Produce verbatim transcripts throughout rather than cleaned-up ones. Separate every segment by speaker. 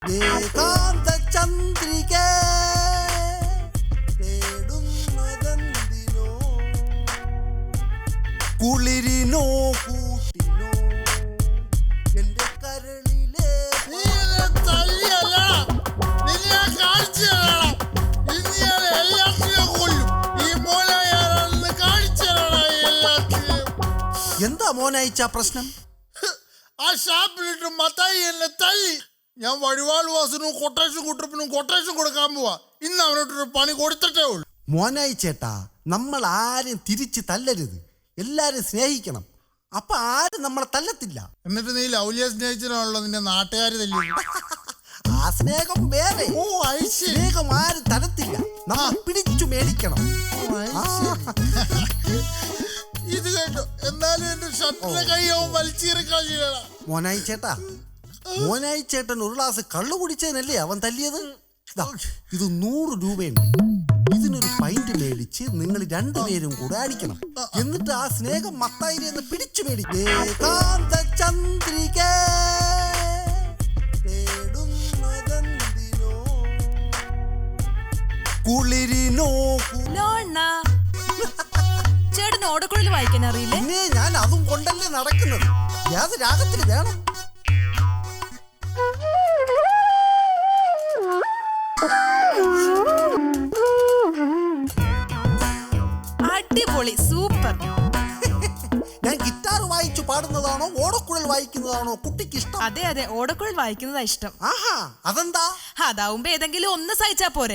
Speaker 1: ഏകാന്ത ചന്ദ്രിക തേടുന്നതെന്തിനോ കുളിരിനോ കൂട്ടിനോ എന്റെ കരളിലെ എന്താ മോനയച്ച പ്രശ്നം?
Speaker 2: ആ ഷാപ്പിലിട്ട് മത്തായി എന്നെ തല്ലി. ഞാൻ വഴിവാൾ വാസനും കൊട്ടേഷൻ കുട്ടപ്പിനും കൊട്ടേഷൻ കൊടുക്കാൻ പോവാ. ഇന്ന് അവനോട്ടൊരു പണി കൊടുത്തിട്ടേ ഉള്ളൂ.
Speaker 1: മോനായി ചേട്ടാ, നമ്മൾ ആരും തിരിച്ച് തല്ലരുത്, എല്ലാരും സ്നേഹിക്കണം. അപ്പൊ ആരും നമ്മളെ തല്ലത്തില്ല.
Speaker 2: എന്നിട്ട് നീ ലൗലിയെ സ്നേഹിച്ചാണല്ലോ നിന്റെ നാട്ടുകാർ തല്ലി.
Speaker 1: ആ സ്നേഹം വേറെ.
Speaker 2: ഓ
Speaker 1: സ്നേഹം ആരും തരത്തില്ല, നമ്മൾ പിടിച്ചു മേടിക്കണം.
Speaker 2: ഇത് കേട്ടോ, എന്നാലും എന്റെ ഷർട്ടിലെ കൈയാവും വലിച്ചീറിക്കള.
Speaker 1: മോനായി ചേട്ടാ, മോനായി ചേട്ടൻ ഒരു ഗ്ലാസ് കള്ളു കുടിച്ചതിനല്ലേ അവൻ തല്ലിയത്? ഇത് നൂറ് രൂപയുണ്ട്. ഇതിനൊരു പൈന്റ് മേടിച്ച് നിങ്ങൾ രണ്ടുപേരും കൂടെ അടിക്കണം. എന്നിട്ട് ആ സ്നേഹം മത്തായിന്ന് പിടിച്ചു മേടിക്കും. ഏകാന്ത ചന്ദ്രിക തേടുന്നതെന്തിനോ കുളിരിനോ.
Speaker 3: ചേട്ടന് ഓടക്കുഴൽ വായിക്കാൻ അറിയില്ലേ?
Speaker 1: പിന്നെ ഞാൻ അതും കൊണ്ടല്ലേ നടക്കുന്നത്. ഏത് രാഗത്തിൽ വേണം?
Speaker 3: അടിപൊളി, സൂപ്പർ.
Speaker 1: ഞാൻ ഗിറ്റാർ വായിച്ചു പാടുന്നതാണോ ഓടക്കുഴൽ വായിക്കുന്നതാണോ കുട്ടിക്ക് ഇഷ്ടം?
Speaker 3: അതെ അതെ, ഓടക്കുഴൽ വായിക്കുന്നതാ ഇഷ്ടം.
Speaker 1: ആഹാ, അതെന്താ?
Speaker 3: അതാവുമ്പോ ഏതെങ്കിലും ഒന്ന് സഹിച്ചാ പോരെ.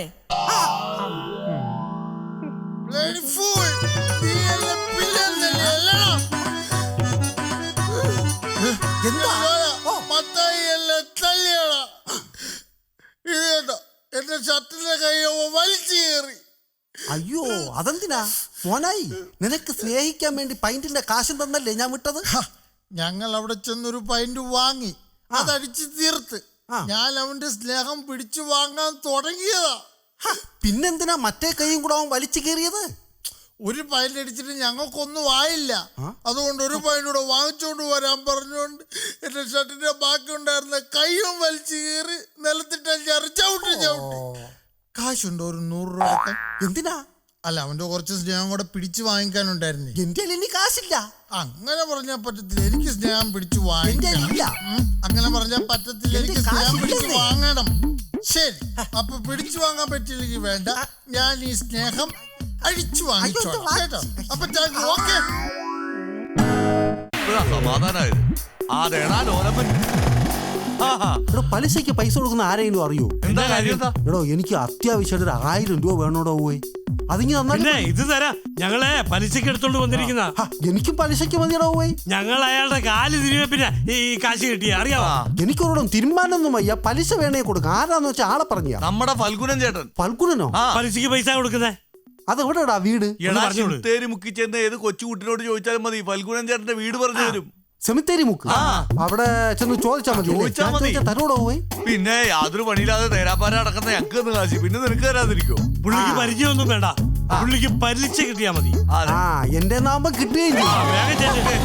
Speaker 2: എന്റെ ഷർട്ടിലെ കൈയോ വലിച്ചു കയറി.
Speaker 1: അയ്യോ, അതെന്തിനാ മോനായി? നിനക്ക് സ്നേഹിക്കാൻ വേണ്ടി പൈന്റിന്റെ കാശും തന്നല്ലേ ഞാൻ വിട്ടത്?
Speaker 2: ഞങ്ങൾ അവിടെ ചെന്നൊരു പൈന്റ് വാങ്ങി, അതടിച്ച് തീർത്ത് ഞാൻ അവന്റെ സ്നേഹം പിടിച്ചു വാങ്ങാൻ തുടങ്ങിയതാ.
Speaker 1: പിന്നെന്തിനാ മറ്റേ കൈയും കൂടെ അവൻ വലിച്ചു കയറിയത്?
Speaker 2: ഒരു പൈന്റ് അടിച്ചിട്ട് ഞങ്ങൾക്കൊന്നും ആയില്ല. അതുകൊണ്ട് ഒരു പൈന്റ് കൂടെ വാങ്ങിച്ചോണ്ട് വരാൻ പറഞ്ഞുകൊണ്ട് എന്റെ ഷർട്ടിന്റെ ബാക്കി ഉണ്ടായിരുന്ന കൈയും വലിച്ചു കയറി നിലത്തിട്ട് ചവിട്ടി ചവിട്ടി. കാശുണ്ടോ ഒരു നൂറ് രൂപ?
Speaker 1: എന്തിനാ?
Speaker 2: അല്ല, അവന്റെ കുറച്ച് സ്നേഹം കൂടെ പിടിച്ചു വാങ്ങിക്കാനുണ്ടായിരുന്നു.
Speaker 1: എന്റെ ഇനി കാശില്ല.
Speaker 2: അങ്ങനെ പറഞ്ഞാൽ പറ്റത്തില്ല, എനിക്ക് സ്നേഹം പിടിച്ചു വാങ്ങിക്കണം. അങ്ങനെ പറഞ്ഞാൽ പറ്റത്തില്ല, എനിക്ക് സ്നേഹം പിടിച്ചു വാങ്ങണം. ശരി, അപ്പൊ പിടിച്ചു വാങ്ങാൻ പറ്റില്ലെങ്കിൽ വേണ്ട, ഞാൻ ഈ സ്നേഹം അഴിച്ചു വാങ്ങിച്ചോളാം കേട്ടോ. അപ്പൊ ഓക്കെ.
Speaker 4: സമാധാനായത്
Speaker 1: പലിശക്ക് പൈസ കൊടുക്കുന്ന ആരെങ്കിലും അറിയോ?
Speaker 4: എന്താ കാര്യം?
Speaker 1: എടോ, എനിക്ക് അത്യാവശ്യമായിട്ട് ഒരു ആയിരം രൂപ വേണോടോ പോയി. അതിങ്ങി തന്നാ
Speaker 5: ഇത് തരാം. ഞങ്ങളെ പലിശക്ക് എടുത്തോണ്ട് വന്നിരിക്കുന്ന.
Speaker 1: എനിക്കും പലിശക്ക് മതിയടോ പോയി.
Speaker 5: ഞങ്ങൾ അയാളുടെ കാല് തിരികെ പിന്നെ ഈ കാശ് കിട്ടിയ അറിയാമോ?
Speaker 1: എനിക്കൊരിടം തീരുമാനമൊന്നും വയ്യ. പലിശ വേണേ കൊടുക്കാം. ആരാന്ന് വെച്ചാൽ ആളെ പറഞ്ഞ.
Speaker 4: നമ്മുടെ ഫൽഗുനൻ ചേട്ടൻ.
Speaker 1: ഫൽഗുനനോ?
Speaker 5: പലിശക്ക് പൈസ കൊടുക്കുന്നേ.
Speaker 1: അതെവിടെടാ വീട്?
Speaker 4: സെമിത്തേരി മുക്കി ചെന്ന് ഏത് കൊച്ചുകുട്ടിനോട് ചോദിച്ചാലും മതി, ഫൽഗുനൻ ചേട്ടന്റെ വീട് പറഞ്ഞു തരും.
Speaker 1: സെമിത്തേരി മുക്ക്? അവിടെ ചെന്ന് ചോദിച്ചാൽ മതി. തരോടോ പോയി?
Speaker 4: പിന്നെ യാതൊരു പണിയില്ലാതെ തേരാപ്പാര അടക്കുന്ന ഞങ്ങൾക്ക് ഒന്ന് കാശി, പിന്നെ നിനക്ക് തരാതിരിക്കോ?
Speaker 5: പുള്ളിക്ക് പരിചയമൊന്നും വേണ്ട, പുള്ളിക്ക് പലിശ കിട്ടിയാ മതി.
Speaker 1: ആ, എന്റെ നാമ്പം കിട്ടുകയും ചെയ്യും.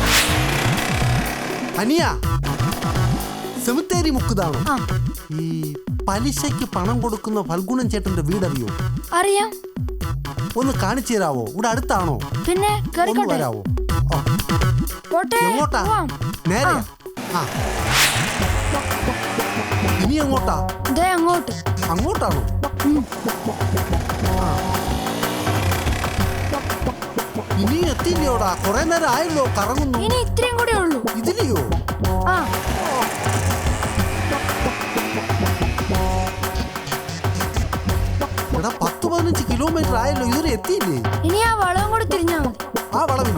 Speaker 1: അനിയ, സെമിത്തേരി മുക്കുതാണോ? ഈ പലിശയ്ക്ക് പണം കൊടുക്കുന്ന ഫൽഗുനൻ ചേട്ടന്റെ വീടറിയോ?
Speaker 6: അറിയാം.
Speaker 1: ഒന്ന് കാണിച്ചു തരാവോ? ഇവിടെ അടുത്താണോ?
Speaker 6: പിന്നെ
Speaker 1: വരാവോ?
Speaker 6: എങ്ങോട്ടാ?
Speaker 1: നേരെ. ഇനി എങ്ങോട്ടാ?
Speaker 6: അങ്ങോട്ട്.
Speaker 1: അങ്ങോട്ടാണോ? ഇനി എത്തില്ലയോടാ? കൊറേ നേരം ആയല്ലോ കറങ്ങുന്നു.
Speaker 6: ഇനി ഇത്രയും കൂടെ ഉള്ളൂ.
Speaker 1: ഇതിലെയോ?
Speaker 6: ആ.
Speaker 1: എടാ, പത്ത് പതിനഞ്ച് കിലോമീറ്റർ ആയല്ലോ, ഇതുവരെ എത്തിയില്ലേ?
Speaker 6: ഇനി ആ വളവും കൂടെ തിരിഞ്ഞാ മതി.
Speaker 1: ആ വളവിൽ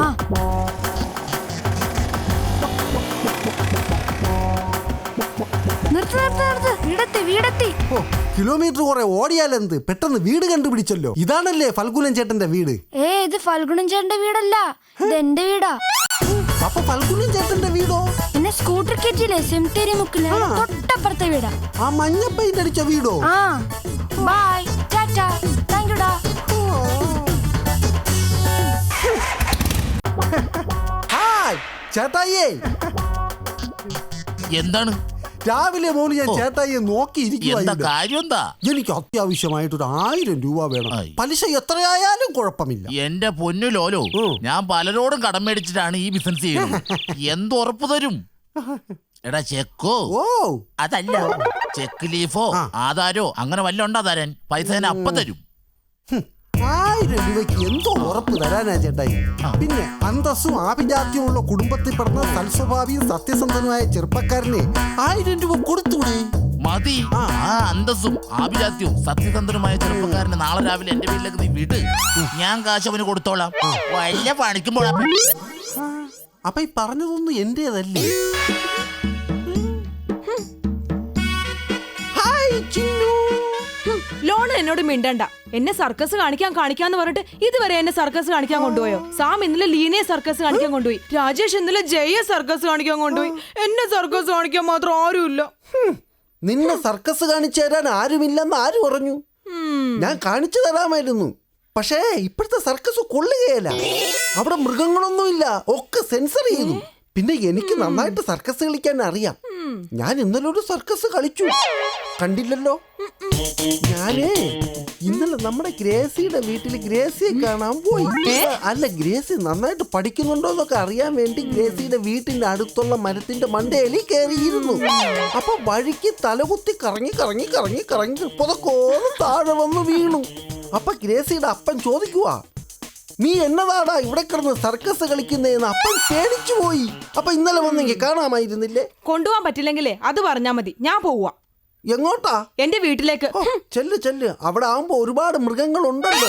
Speaker 1: കിലോമീറ്റർ കുറെ ഓടിയാലെന്ത്, പെട്ടെന്ന് വീട് കണ്ടുപിടിച്ചല്ലോ. ഇതാണല്ലേ ഫൽഗുനൻ ചേട്ടന്റെ വീട്?
Speaker 6: ഏ, ഇത് ഫൽഗുനൻ ചേട്ടന്റെ വീടല്ല, ഇത് എന്റെ വീടാ.
Speaker 1: അപ്പൊ ഫൽഗുനൻ ചേട്ടന്റെ വീടോ?
Speaker 6: എന്നെ സ്കൂട്ടർ കയറ്റിയില്ലേ സെമിത്തേരി മുക്കില്, തൊട്ടപ്പുറത്തെ വീടാ.
Speaker 1: ആ മഞ്ഞ പെയിന്റ് അടിച്ച വീടോ?
Speaker 6: ആ. ബൈ, ടാറ്റാ, താങ്ക് യുടാ.
Speaker 1: ഹായ് ചേട്ടായിയേ.
Speaker 7: എന്താണ്?
Speaker 1: രാവിലെ മോന് ഞാൻ
Speaker 7: ഓ.
Speaker 1: ചേട്ടായിയെ നോക്കിയിരിക്കുക.
Speaker 7: എന്താ കാര്യം എന്താ?
Speaker 1: എനിക്ക് അത്യാവശ്യമായിട്ട് ഒരു ആയിരം രൂപ വേണം.
Speaker 7: ആയി.
Speaker 1: പലിശ എത്രയായാലും കുഴപ്പമില്ല.
Speaker 7: എന്റെ പൊന്നു ലോലോ,
Speaker 1: ഉം.
Speaker 7: ഞാൻ പലരോടും കടം മേടിച്ചിട്ടാണ് ഈ ബിസിനസ് ചെയ്യുന്നത്. എന്തുറപ്പ് തരും? എടാ ചെക്കോ
Speaker 1: ഓ
Speaker 7: അതല്ല, ചെക്ക് ലീഫോ
Speaker 1: ആ.
Speaker 7: ആധാരോ അങ്ങനെ വല്ല ഉണ്ടാ തരാൻ? പൈസ ഞാൻ അപ്പ തരും.
Speaker 1: ഹും, ആയിരം രൂപയ്ക്ക് എന്തോ ഉറപ്പ് തരാനാ ചേട്ടായി.
Speaker 7: ആ.
Speaker 1: പിന്നെ അന്തസ്സും ആഭിജാത്യമുള്ള കുടുംബത്തിൽ പിറന്ന സൽസ്വഭാവിയും സത്യസന്ധനുമായ ചെറുപ്പക്കാരനെ ആയിരം രൂപ കൊടുത്തൂടെ?
Speaker 7: മതി.
Speaker 1: ആ.
Speaker 7: ആ അന്തസ്സും ആഭിജാത്യവും സത്യസന്ധനുമായ ചെറുപ്പക്കാരന് നാളെ രാവിലെ എന്റെ വീട്ടിലേക്ക് നീ വിട്. ഞാൻ കാശ് അവന് കൊടുത്തോളാം. വല്ല പണിക്കുമ്പോഴാ.
Speaker 1: ആ, അപ്പൊ ഈ പറഞ്ഞതൊന്നും എന്റേതല്ലേ? ഹായ് ചിന്നു.
Speaker 3: ലോൺ എന്നോട് മിണ്ടണ്ട. എന്നെ സർക്കസ് കാണിക്കാൻ കാണിക്കാന്ന് പറഞ്ഞിട്ട് ഇതുവരെ എന്നെ സർക്കസ് കാണിക്കാൻ കൊണ്ടുപോയോ? സാം ഇന്നലെ ലീനയെ സർക്കസ് കാണിക്കാൻ കൊണ്ടുപോയി. രാജേഷ് ഇന്നലെ ജയ സർക്കസ് കാണിക്കാൻ കൊണ്ടുപോയി. എന്നെ സർക്കസ് കാണിക്കാൻ മാത്രം ആരുമില്ല.
Speaker 1: ഹും, നിന്നെ സർക്കസ് കാണിച്ചു തരാൻ ആരുമില്ലെന്ന് ആര് പറഞ്ഞു? ഞാൻ കാണിച്ചു തരാമായിരുന്നു. പക്ഷേ ഇപ്പോഴത്തെ സർക്കസ് കൊള്ളുകയല്ല. അവിടെ മൃഗങ്ങളൊന്നുമില്ല, ഒക്കെ സെൻസർ ചെയ്തു. പിന്നെ എനിക്ക് നന്നായിട്ട് സർക്കസ് കളിക്കാൻ അറിയാം. ഞാൻ ഇന്നലെ ഒരു സർക്കസ് കളിച്ചു, കണ്ടില്ലല്ലോ? ഞാനേ ഇന്നലെ നമ്മുടെ ഗ്രേസിയുടെ വീട്ടിൽ ഗ്രേസിയെ കാണാൻ പോയി. അല്ല, ഗ്രേസി നന്നായിട്ട് പഠിക്കുന്നുണ്ടോ എന്നൊക്കെ അറിയാൻ വേണ്ടി ഗ്രേസിയുടെ വീട്ടിന്റെ അടുത്തുള്ള മരത്തിന്റെ മണ്ടയിൽ കയറിയിരുന്നു. അപ്പൊ വഴിക്ക് തലകുത്തി കറങ്ങി കറങ്ങി കറങ്ങി കറങ്ങി പുതക്കോളം താഴെ വന്ന് വീണു. അപ്പൊ ഗ്രേസിയുടെ അപ്പൻ ചോദിക്കുവാ, നീ എന്നതാടാ ഇവിടെ കിടന്ന് സർക്കസ് കളിക്കുന്നതെന്ന്. അപ്പൻ പേടിച്ചു പോയി. അപ്പൊ ഇന്നലെ വന്നെങ്കിൽ കാണാമായിരുന്നില്ലേ?
Speaker 3: കൊണ്ടുപോകാൻ പറ്റില്ലെങ്കിലേ അത് പറഞ്ഞാ മതി, ഞാൻ പോവാ.
Speaker 1: എങ്ങോട്ടാ?
Speaker 3: എന്റെ വീട്ടിലേക്ക്.
Speaker 1: ഓ, ചെല്ല് ചെല്ല്. അവിടെ ആവുമ്പോ ഒരുപാട് മൃഗങ്ങളുണ്ടല്ലോ.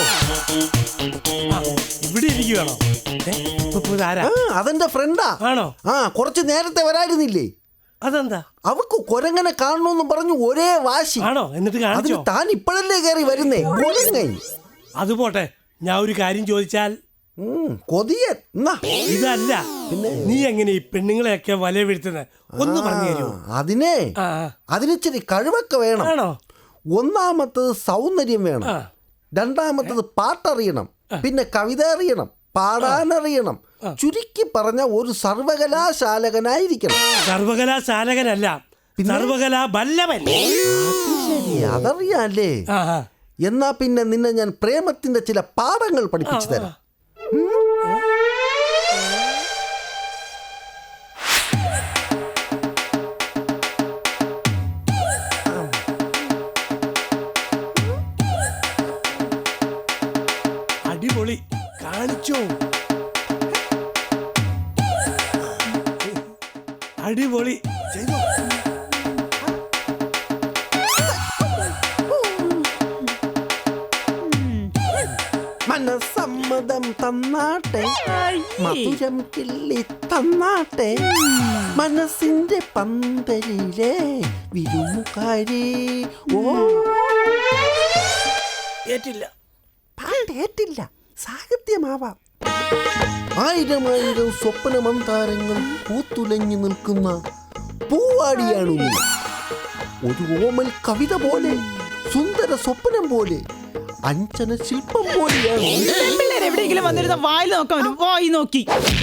Speaker 5: ഇവിടെ ഇരിക്കുകയാണോ? ആരാ?
Speaker 1: ആ, അതെന്റെ ഫ്രണ്ടാ.
Speaker 5: ആണോ?
Speaker 1: ആ, കുറച്ച് നേരത്തെ വരായിരുന്നില്ലേ?
Speaker 5: അതെന്താ?
Speaker 1: അവക്ക് കൊരങ്ങനെ കാണണമെന്ന് പറഞ്ഞു ഒരേ വാശി.
Speaker 5: ആണോ? എന്നിട്ട്
Speaker 1: അതിന്
Speaker 5: കാണിച്ചോ?
Speaker 1: താൻ ഇപ്പോഴല്ലേ കയറി വരുന്നേ കൊരങ്ങൻ?
Speaker 5: അത് പോട്ടെ, ഞാൻ ഒരു കാര്യം ചോദിച്ചാൽ.
Speaker 1: ഉം, കൊതിയൻ. എന്നാ
Speaker 5: ഇതല്ല, നീ എങ്ങനെ ഈ പെണ്ണുങ്ങളെയൊക്കെ വല വീഴ്ത്തുന്നത്? ഒന്ന് പറഞ്ഞു തരുമോ?
Speaker 1: അതിനെ
Speaker 5: ആ,
Speaker 1: അതിനിച്ചിരി കഴിവൊക്കെ വേണം.
Speaker 5: ആണോ?
Speaker 1: ഒന്നാമത്തത് സൗന്ദര്യം വേണം.
Speaker 5: ആ.
Speaker 1: രണ്ടാമത്തത് പാട്ടറിയണം. പിന്നെ കവിത അറിയണം, പാടാനറിയണം. ചുരുക്കി പറഞ്ഞ ഒരു സർവകലാശാലകനായിരിക്കണം.
Speaker 5: സർവകലാശാലകനല്ല, സർവകലാ ബല്ലവൻ.
Speaker 1: ശരി, അതറിയാല്ലേ?
Speaker 5: ആ, ആ.
Speaker 1: എന്നാ പിന്നെ നിന്നെ ഞാൻ പ്രേമത്തിന്റെ ചില പാഠങ്ങൾ പഠിപ്പിച്ചു തരാം.
Speaker 5: അടിപൊളി, കാണിച്ചോ? അടിപൊളി ചെയ്തോ?
Speaker 1: മനസമ്മതം തന്നാട്ടെ, മധുരം കിള്ളി തന്നാട്ടെ, മനസ്സിന്റെ പന്തലിലെ വിരുമുകാരി. ഓ,
Speaker 5: ഏറ്റില്ല.
Speaker 1: പാട്ടേറ്റില്ല, സാഹിത്യമാവാം. ആയിരം ആയിരം സ്വപ്ന മന്ദാരങ്ങൾ പൂത്തുലഞ്ഞു നിൽക്കുന്ന പൂവാടിയാണു നീ. ഒരു ഓമൽ കവിത പോലെ, സുന്ദര സ്വപ്നം പോലെ, അഞ്ചന ശില്പം പോലെയാണ്.
Speaker 8: എവിടെയെങ്കിലും വന്നിരുന്ന വായിൽ നോക്കാൻ വരും. വായി നോക്കി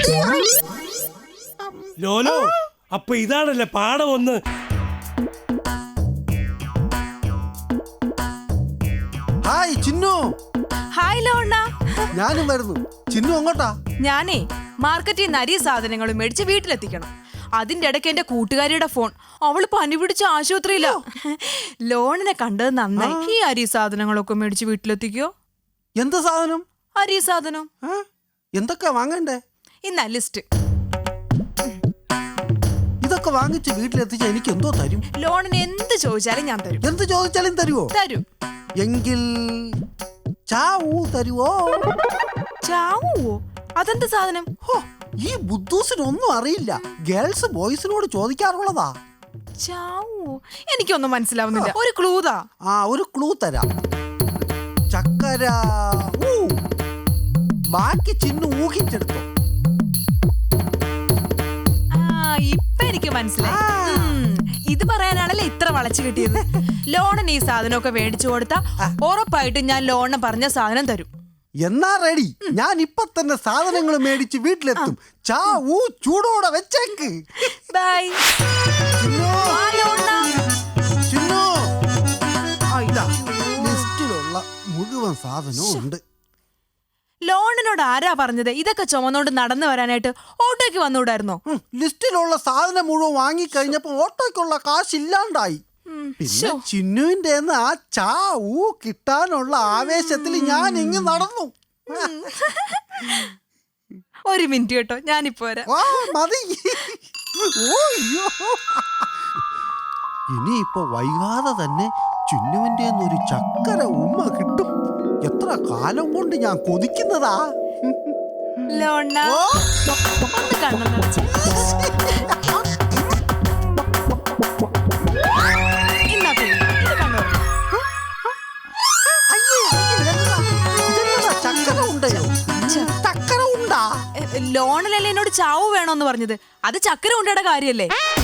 Speaker 5: ലോലോ, അപ്പൊ ഇതാണല്ലേ പാഠം ഒന്ന്.
Speaker 1: ഹായ് ചിന്നു.
Speaker 3: ഹായ് ലോണ്ണ.
Speaker 1: ഞാനും വരുന്നു. ചിന്നു അങ്ങോട്ടാ?
Speaker 3: ഞാനേ മാർക്കറ്റിൽ നിന്ന് അരി സാധനങ്ങളും മേടിച്ച് വീട്ടിലെത്തിക്കണം. അതിന്റെ ഇടയ്ക്ക് എന്റെ കൂട്ടുകാരിയുടെ ഫോൺ. അവള് പനി പിടിച്ച ആശുപത്രിയില. ലോണിനെ കണ്ടത് നന്നായി. ഈ അരി സാധനങ്ങളൊക്കെ മേടിച്ച് വീട്ടിലെത്തിക്കോ.
Speaker 1: എന്ത് സാധനം?
Speaker 3: അരി സാധനം.
Speaker 1: എന്തൊക്കെ വാങ്ങണ്ടേ?
Speaker 3: ഇന്ന ലിസ്റ്റ്.
Speaker 1: ഇതൊക്കെ വാങ്ങിച്ച് വീട്ടിലെത്തിച്ച എനിക്ക് എന്തോ തരും?
Speaker 3: ലോണിന് എന്ത് ചോദിച്ചാലും ഞാൻ തരും.
Speaker 1: എന്ത് ചോദിച്ചാലും തരുവോ?
Speaker 3: തരും.
Speaker 1: എങ്കിൽ ചാവൂ തരുവോ?
Speaker 3: ചാവോ? അതെന്ത് സാധനം?
Speaker 1: ഹോ, ഈ ബുദ്ധൂസിനൊന്നും അറിയില്ല. ഗേൾസ് ബോയ്സിനോട് ചോദിക്കാറുള്ളതാ.
Speaker 3: ചാവോ? എനിക്കൊന്നും മനസ്സിലാവുന്നില്ല. ഒരു ക്ലൂതാ.
Speaker 1: ആ, ഒരു ക്ലൂ തരാം. ചക്കര. ഊ. ബാക്കി ചിന്നു ഊഹിച്ചെടുത്തോ.
Speaker 3: ആ, ഇപ്പൊ എനിക്ക് മനസ്സിലായി. ഉം, ഇത് പറയാനാണല്ലേ ഇത്ര വളച്ചു കിട്ടിയത്. ലോണിന് ഈ സാധനമൊക്കെ മേടിച്ചു കൊടുത്താ ഉറപ്പായിട്ടും ഞാൻ ലോണിന് പറഞ്ഞ സാധനം തരും.
Speaker 1: എന്നാ റെഡി. ഞാൻ ഇപ്പൊ തന്നെ സാധനങ്ങൾ മേടിച്ച് വീട്ടിലെത്തും. ചാ ഊ ചൂടോടെ വെച്ചേക്ക്.
Speaker 3: ബൈ.
Speaker 1: ചിന്നു.
Speaker 3: ആ ലോണ്ണ.
Speaker 1: സാധനവും ഉണ്ട്.
Speaker 3: ലോണിനോട് ആരാ പറഞ്ഞത് ഇതൊക്കെ ചുമന്നോണ്ട് നടന്നു വരാനായിട്ട്? ഓട്ടോയ്ക്ക് വന്നുകൂടായിരുന്നോ?
Speaker 1: ഉം, ലിസ്റ്റിലുള്ള സാധനം മുഴുവൻ വാങ്ങിക്കഴിഞ്ഞപ്പോ ഓട്ടോയ്ക്കുള്ള കാശ് ഇല്ലാണ്ടായി. പിന്നെ ചിന്നുവിന്റെ ആ ചാ ഊ കിട്ടാനുള്ള ആവേശത്തിൽ ഞാൻ ഇങ്ങ് നടന്നു.
Speaker 3: ഒരു മിനിറ്റ് കേട്ടോ, ഞാനിപ്പോ വരാം.
Speaker 1: ആ, മതി. ഓ, അയ്യോ. ഇനിയിപ്പോ വൈകാതെ തന്നെ ചിന്നുവിന്റെ ഒരു ചക്കര ഉമ്മ കിട്ടും. എത്ര കാലം കൊണ്ട് ഞാൻ കൊതിക്കുന്നതാ.
Speaker 3: ലോണ ഒന്ന് കണ്ണു നിറച്ച്. ഇന്നാ പോയി. ഇത് കണ്ണു തുറക്ക്.
Speaker 1: അയ്യേ, ഇതെന്താ? ഇതെന്താ ചക്കര ഉണ്ടയോ? ചക്കര ഉണ്ടാ?
Speaker 3: ലോണിലല്ലേ എന്നോട് ചാവ് വേണോന്ന് പറഞ്ഞത്? അത് ചക്കര ഉണ്ടയുടെ കാര്യല്ലേ?